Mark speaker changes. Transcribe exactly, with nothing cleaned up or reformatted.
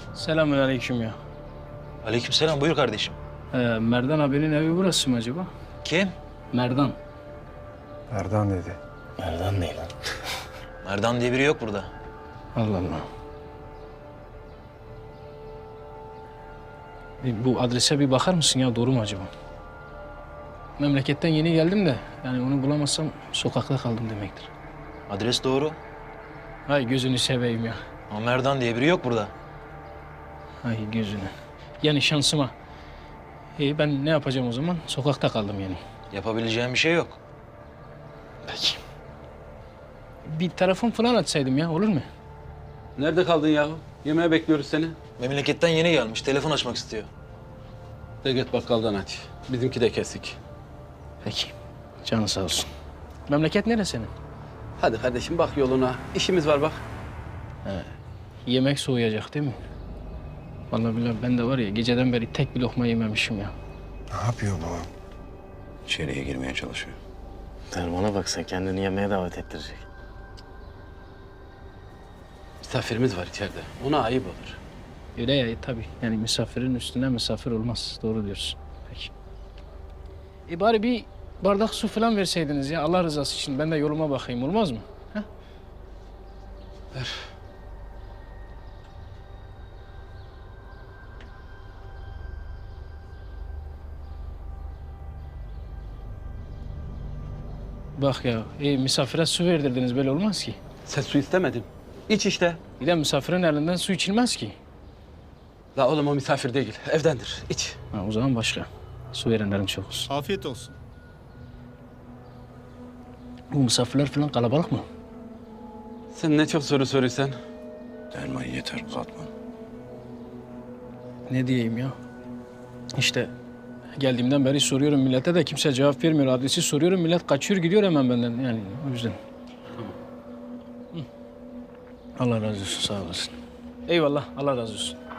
Speaker 1: Selamünaleyküm ya.
Speaker 2: Aleykümselam, buyur kardeşim.
Speaker 1: Ee, Merdan abinin evi burası mı acaba?
Speaker 2: Kim?
Speaker 1: Merdan.
Speaker 3: Erdan dedi.
Speaker 2: Merdan değil lan. Merdan diye biri yok burada.
Speaker 1: Allah Allah. Bir bu adrese bir bakar mısın ya? Doğru mu acaba? Memleketten yeni geldim de yani onu bulamazsam sokakta kaldım demektir.
Speaker 2: Adres doğru
Speaker 1: Hay gözünü seveyim ya.
Speaker 2: ama Merdan diye biri yok burada.
Speaker 1: Hay gözünü. Yani şansıma. İyi ben ne yapacağım o zaman? Sokakta kaldım yani.
Speaker 2: Yapabileceğim bir şey yok.
Speaker 1: Peki. Bir telefon falan açsaydım ya olur mu?
Speaker 4: Nerede kaldın yahu? Yemeğe bekliyoruz seni.
Speaker 2: Memleketten yeni gelmiş, telefon açmak istiyor.
Speaker 4: De git bakkaldan aç. Bizimki de kesik.
Speaker 1: Peki. Canı sağ olsun. Memleket neresi senin?
Speaker 4: Hadi kardeşim bak yoluna. İşimiz var bak.
Speaker 1: Yemek soğuyacak değil mi? Vallahi billahi ben de var ya geceden beri tek bir lokma yememişim ya.
Speaker 3: Ne yapıyor bu?
Speaker 5: İçeriye girmeye çalışıyor.
Speaker 6: Derman'a bak sen kendini yemeğe davet ettirecek.
Speaker 4: Misafirimiz var içeride. Ona ayıp olur.
Speaker 1: Öyle ya tabii. Yani misafirin üstüne misafir olmaz. Doğru diyorsun. Peki. E bari bir bardak su falan verseydiniz ya Allah rızası için. Ben de yoluma bakayım olmaz mı? Ha?
Speaker 4: Ver.
Speaker 1: Bak ya e, misafire su verdirdiniz böyle olmaz ki.
Speaker 4: Sen su istemedin. İç işte.
Speaker 1: Bir de misafirin elinden su içilmez ki.
Speaker 4: La oğlum o misafir değil. Evdendir. İç.
Speaker 1: Ha, o zaman başka. Su verenlerin çok olsun.
Speaker 7: Afiyet olsun.
Speaker 1: Bu misafirler falan kalabalık mı?
Speaker 4: Sen ne çok soru soruyorsun.
Speaker 5: Derman yeter, uzatma.
Speaker 1: Ne diyeyim ya? İşte geldiğimden beri soruyorum millete de kimse cevap vermiyor. Adresi soruyorum millet kaçıyor gidiyor hemen benden yani o yüzden. Hı. Allah razı olsun sağ olasın. Eyvallah Allah razı olsun.